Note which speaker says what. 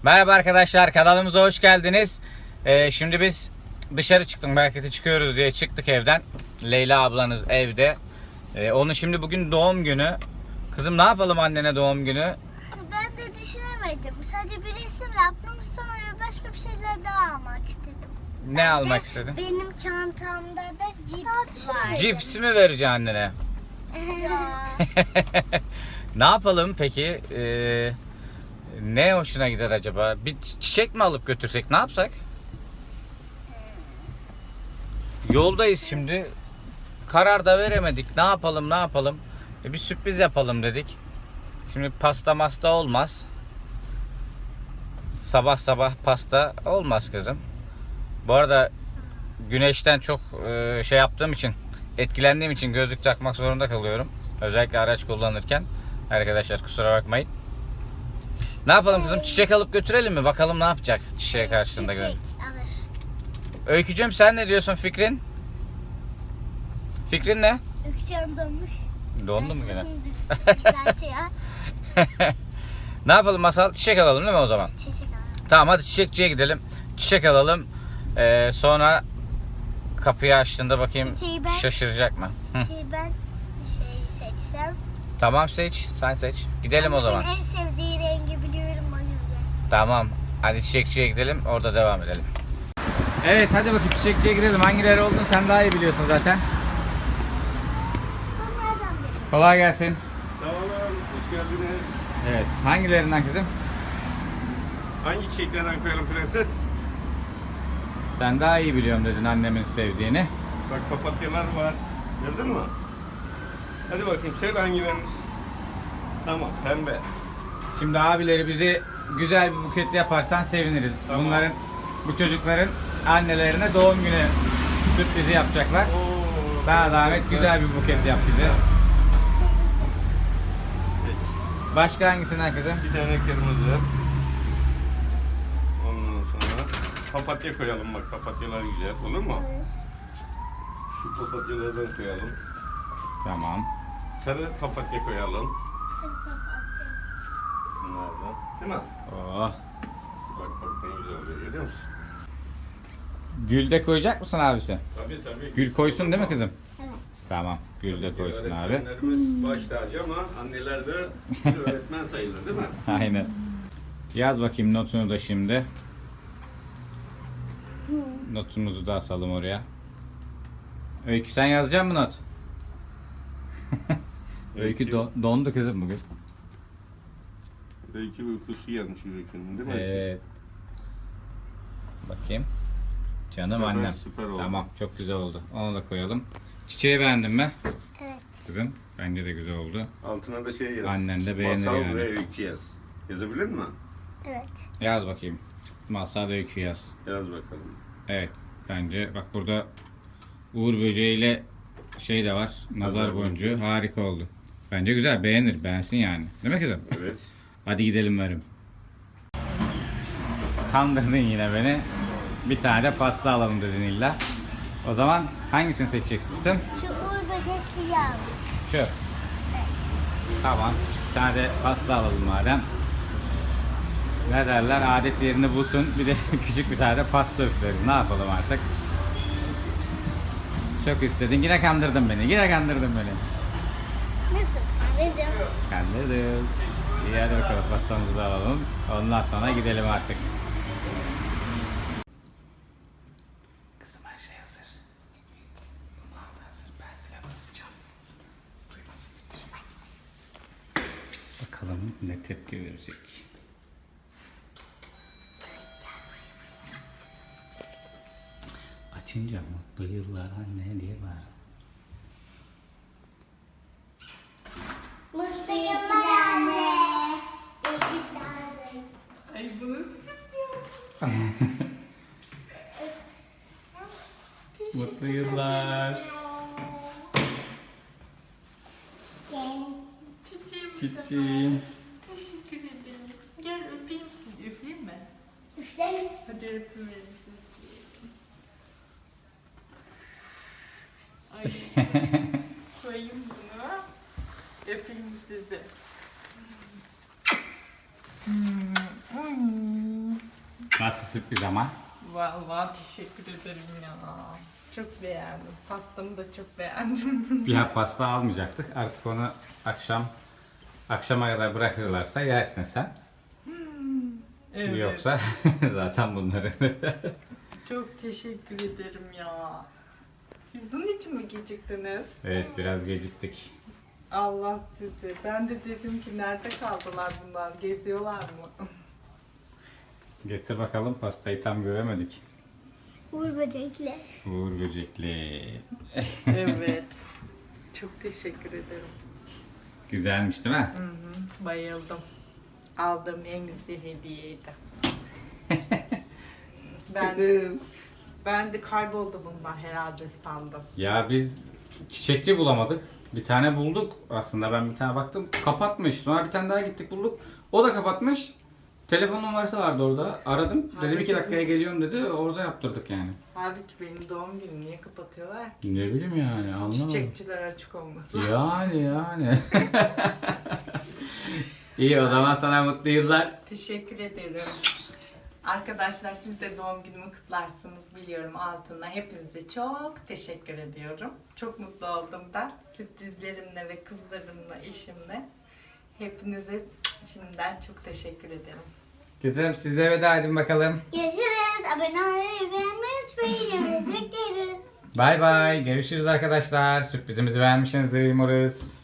Speaker 1: Merhaba arkadaşlar, kanalımıza hoş geldiniz. Şimdi biz dışarı çıktık, markete çıkıyoruz diye çıktık evden. Leyla ablanız evde. Onun şimdi bugün doğum günü. Kızım ne yapalım annene doğum günü?
Speaker 2: Ben de düşünemedim. Sadece bir resim yaptım. Sonra başka bir şeyler daha almak istedim.
Speaker 1: Ne almak istedin?
Speaker 2: Benim çantamda da cips var.
Speaker 1: Cips mi vereceksin annene?
Speaker 2: Ya.
Speaker 1: Ne yapalım peki? Ne hoşuna gider acaba? Bir çiçek mi alıp götürsek, ne yapsak? Yoldayız şimdi. Karar da veremedik. Ne yapalım? Bir sürpriz yapalım dedik. Şimdi pasta masta olmaz. Sabah sabah pasta olmaz kızım. Bu arada güneşten çok şey yaptığım için, etkilendiğim için gözlük takmak zorunda kalıyorum. Özellikle araç kullanırken. Arkadaşlar kusura bakmayın. Ne yapalım kızım? Çiçek alıp götürelim mi? Bakalım ne yapacak çiçeğe karşılığında görelim.
Speaker 2: Çiçek alır.
Speaker 1: Öykücüğüm sen ne diyorsun, fikrin? Fikrin ne?
Speaker 2: Öksüyen donmuş.
Speaker 1: Dondu mu gene?
Speaker 2: Düzeltiyor.
Speaker 1: Ne yapalım Masal? Çiçek alalım değil mi o zaman?
Speaker 2: Çiçek alır.
Speaker 1: Tamam, hadi çiçekçiye gidelim. Çiçek alalım. Sonra kapıyı açtığında bakayım
Speaker 2: Çiçeği ben-
Speaker 1: şaşıracak mı? Hı.
Speaker 2: Çiçeği ben seçsem.
Speaker 1: Tamam, seç. Sen seç. Gidelim o zaman.
Speaker 2: Annemin en sevdiği rengi biliyorum o yüzden.
Speaker 1: Tamam. Hadi çiçekçiye gidelim. Orada devam edelim. Evet, hadi bakayım çiçekçiye gidelim. Hangileri olduğunu sen daha iyi biliyorsun zaten.
Speaker 2: Bunlardan biri.
Speaker 1: Kolay gelsin.
Speaker 3: Sağ olun, hoş geldiniz.
Speaker 1: Evet. Hangilerinden kızım?
Speaker 3: Hangi çiçeklerden koyalım prenses?
Speaker 1: Sen daha iyi biliyorum dedin annemin sevdiğini.
Speaker 3: Bak papatyalar var. Gördün mü? Hadi bakayım söyle hangilerini. Tamam, pembe.
Speaker 1: Şimdi abileri bizi güzel bir buket yaparsan seviniriz.
Speaker 3: Tamam.
Speaker 1: Bu çocukların annelerine doğum günü sürprizi yapacaklar.
Speaker 3: Oo,
Speaker 1: Sana
Speaker 3: çok
Speaker 1: zahmet güzel bir buket yap bize.
Speaker 3: Peki.
Speaker 1: Başka hangisinden kızım?
Speaker 3: Bir tane kırmızı. Ondan sonra papatya koyalım bak, papatyalar güzel. Olur mu?
Speaker 2: Evet.
Speaker 3: Şu papatyalardan koyalım.
Speaker 1: Tamam.
Speaker 3: Sarı papatya koyalım.
Speaker 2: Sarı papatya.
Speaker 3: Bunlardan. Değil mi?
Speaker 1: Oh.
Speaker 3: Bak ne güzel oluyor, görüyor musun?
Speaker 1: Gül de koyacak mısın abisi?
Speaker 3: Tabii.
Speaker 1: Gül koysun değil mi kızım?
Speaker 2: Evet.
Speaker 1: Tamam. Gül de koysun abi.
Speaker 3: Öğretmenlerimiz baş tacı ama anneler de bir öğretmen sayılır değil mi?
Speaker 1: Aynen. Yaz bakayım notunu da şimdi. Notumuzu da asalım oraya. Öykü sen yazacak mısın not? Öykü dondu kızım bugün.
Speaker 3: Öykü uykusu gelmiş Öykü'nün değil mi?
Speaker 1: Evet. Bakayım. Canım
Speaker 3: Süper,
Speaker 1: annem.
Speaker 3: süper oldu.
Speaker 1: Tamam, çok güzel oldu. Onu da koyalım. Çiçeği beğendin mi?
Speaker 2: Evet.
Speaker 1: Kızım bence de güzel oldu.
Speaker 3: Altına da şey yaz.
Speaker 1: Annen de beğenir
Speaker 3: Masal
Speaker 1: yani.
Speaker 3: ve Öykü yaz. Yazabilir mi?
Speaker 2: Evet.
Speaker 1: Yaz bakayım. Masal ve Öykü yaz.
Speaker 3: Yaz bakalım.
Speaker 1: Evet. Bence bak burada Uğur böceğiyle şey de var. Nazar
Speaker 3: Nazar
Speaker 1: boncuğu. Harika oldu. Bence güzel. Beğenir. Beğensin yani. Değil mi kızım?
Speaker 3: Evet.
Speaker 1: Hadi gidelim verim. Kandırdın yine beni. Bir tane de pasta alalım dedin illa. O zaman hangisini seçeceksin?
Speaker 2: Şu uğur böcekli yağ.
Speaker 1: Şu. Tamam. Bir tane de pasta alalım madem. Ne derler? Adet yerini bulsun. Bir de küçük bir tane de pasta üfleriz. Ne yapalım artık? Çok istedin. Yine kandırdın beni.
Speaker 2: Nasıl kandırdım?
Speaker 1: Kandırdım. İyi, hadi bakalım pastamızı da alalım. Ondan sonra gidelim artık. Kızım her şey hazır. Bunlar da hazır. Ben size basacağım. Duymasın bizi. Bakalım ne tepki verecek. Açınca mutlu yıllar anne diye var.
Speaker 2: Mutlu yıllar anne.
Speaker 4: Ay bu nasıl sürpriz bu?
Speaker 1: Mutlu yıllar.
Speaker 2: Çiçeğim.
Speaker 1: Çiçeğim.
Speaker 4: Teşekkür ederim. Gel öpeyim sizi. Üfleyeyim mi?
Speaker 2: Üfleyin.
Speaker 4: Hadi öpeyim sizi. Ay koyayım bunu. Öpeyim sizi.
Speaker 1: Nasıl sürpriz ama?
Speaker 4: Vallahi teşekkür ederim ya. Çok beğendim. Pastamı da çok beğendim.
Speaker 1: Bir pasta almayacaktık. Artık onu akşama kadar bırakırlarsa yersin sen.
Speaker 4: Evet.
Speaker 1: Yoksa zaten bunları.
Speaker 4: Çok teşekkür ederim ya. Siz bunun için mi geciktiniz?
Speaker 1: Evet, biraz geciktik.
Speaker 4: Allah sizi. Ben de dedim ki nerede kaldılar bunlar? Geziyorlar mı?
Speaker 1: Getir bakalım, pastayı tam göremedik.
Speaker 2: Uğur böcekler.
Speaker 1: Uğur böcekli.
Speaker 4: Evet. Çok teşekkür ederim.
Speaker 1: Güzelmiş değil mi?
Speaker 4: Hı hı, bayıldım. Aldığım en güzel hediyeydi. Ben de kayboldu bundan herhalde sandım.
Speaker 1: Ya biz çiçekçi bulamadık. Bir tane bulduk. Aslında ben bir tane baktım. Kapatmış. Sonra bir tane daha gittik bulduk. O da kapatmış. Telefon numarası vardı orada. Aradım. Dedim 2 dakikaya geliyorum dedi. Orada yaptırdık yani.
Speaker 4: Halbuki benim doğum günüm niye kapatıyorlar?
Speaker 1: Ne bileyim yani, anlamadım.
Speaker 4: Çiçekçiler açık olması lazım.
Speaker 1: Yani. İyi, o zaman sana mutlu yıllar.
Speaker 4: Teşekkür ederim. Arkadaşlar siz de doğum günümü kutlarsınız biliyorum altına. Hepinize çok teşekkür ediyorum. Çok mutlu oldum ben. Sürprizlerimle ve kızlarımla, eşimle. Hepinize şimdiden çok teşekkür ederim.
Speaker 1: Kızım, siz de veda edin bakalım.
Speaker 2: Görüşürüz. Abone olmayı beğenmeyi unutmayın. Bekleriz.
Speaker 1: Bay bay. Görüşürüz arkadaşlar. Sürprizimizi beğenmişsinizdir umarız.